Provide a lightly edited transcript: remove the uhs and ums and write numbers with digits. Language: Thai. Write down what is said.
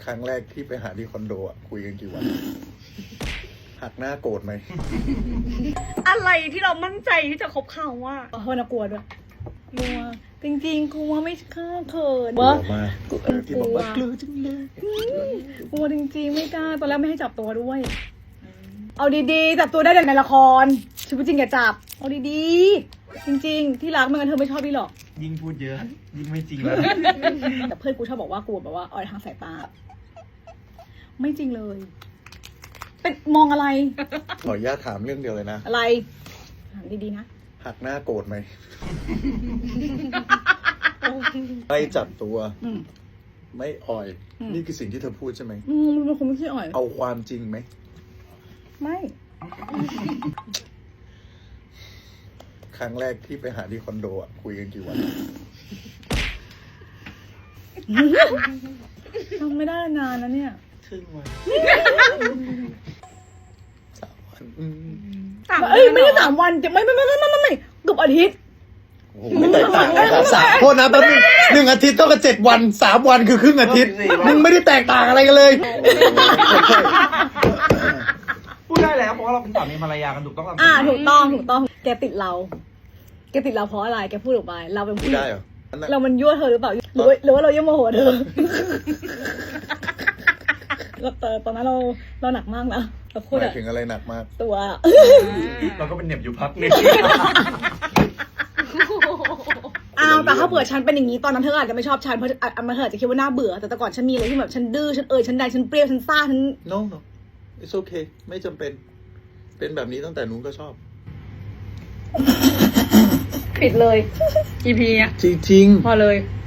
ครั้งแรกที่ไปหาที่คอนโดอ่ะคุยกันกี่วัน หักหน้าโกรธไหมอะไรที่เรามั่นใจที่จะคบเขาว่าเฮ้ยน่ากลัวด้วยกลัวจริงๆกลัวไม่กล้าเขินกลัวมากที่บอกว่ากลัวจังเลยกลัวจริงๆไม่กล้าตอนแรกไม่ให้จับตัวด้วย เอาดีๆจับตัวได้แต่ในละครชีวิตจริงอย่าจับเอาดีๆจริงๆที่รักไม่งั้นเธอไม่ชอบพี่หรอกยิ่งพูดเยอะ ยิ่งไม่จริงแล้วแต่เพื่อนกูชอบบอกว่ากูแบบว่าอ่อยทางสายตาไม่จริงเลย เป็นมองอะไรขออนุญาตถามเรื่องเดียวเลยนะอะไรถามดีๆนะหักหน้าโกรธไหม ไม่จับตัวอืมไม่อ่อยอืมนี่คือสิ่งที่เธอพูดใช่ไหมมันเป็นคนไม่ขี้อ่อยเอาความจริงไหมไม่ครั้งแรกที่ไปหาที่คอนโดอ่ะคุยกันกี่วันทำไม่ได้นานนะเนี่ยครึ่งวัน 3 วันเอ้ยไม่ใช่3 วันจะไม่เกือบอาทิตย์โอ้โหไม่แตกต่างกันครับโทษนะแป๊บนึง1 อาทิตย์เท่ากับ7 วัน 3 วันคือครึ่งอาทิตย์มึงไม่ได้แตกต่างอะไรกันเลยพูดได้แล้วเพราะว่าเราเป็นสามีภรรยากันถูกต้องถูกต้อง แกติดเราเพราะอะไรแกพูดออกไปเราเป็นพูผู้ดหญิได้งเหรอเรามันยั่วเธอหรือเปล่าหรือว่าเรายั่วโมโหเธอตอนนั้นเราหนักมากนะเราพูดหมาอะยถึงอะไรหนักมากตัวเราก็เป็นเหน็บอยู่พักนึงแต่ถ้าเผื่อฉันเป็นอย่างนี้ตอนนั้นเธออาจจะไม่ชอบฉันเพราะมันเธออาจจะคิดว่าน่าเบื่อแต่ก่อนฉันมีอะไรที่แบบฉันดื้อฉันฉันใดฉันเปรี้ยวฉันซ่าฉัน no it's okay ไม่จำเป็น เป็นแบบนี้ตั้งแต่นู้นก็ชอบปิดเลย EP เนี้ยจริงพอเลยๆ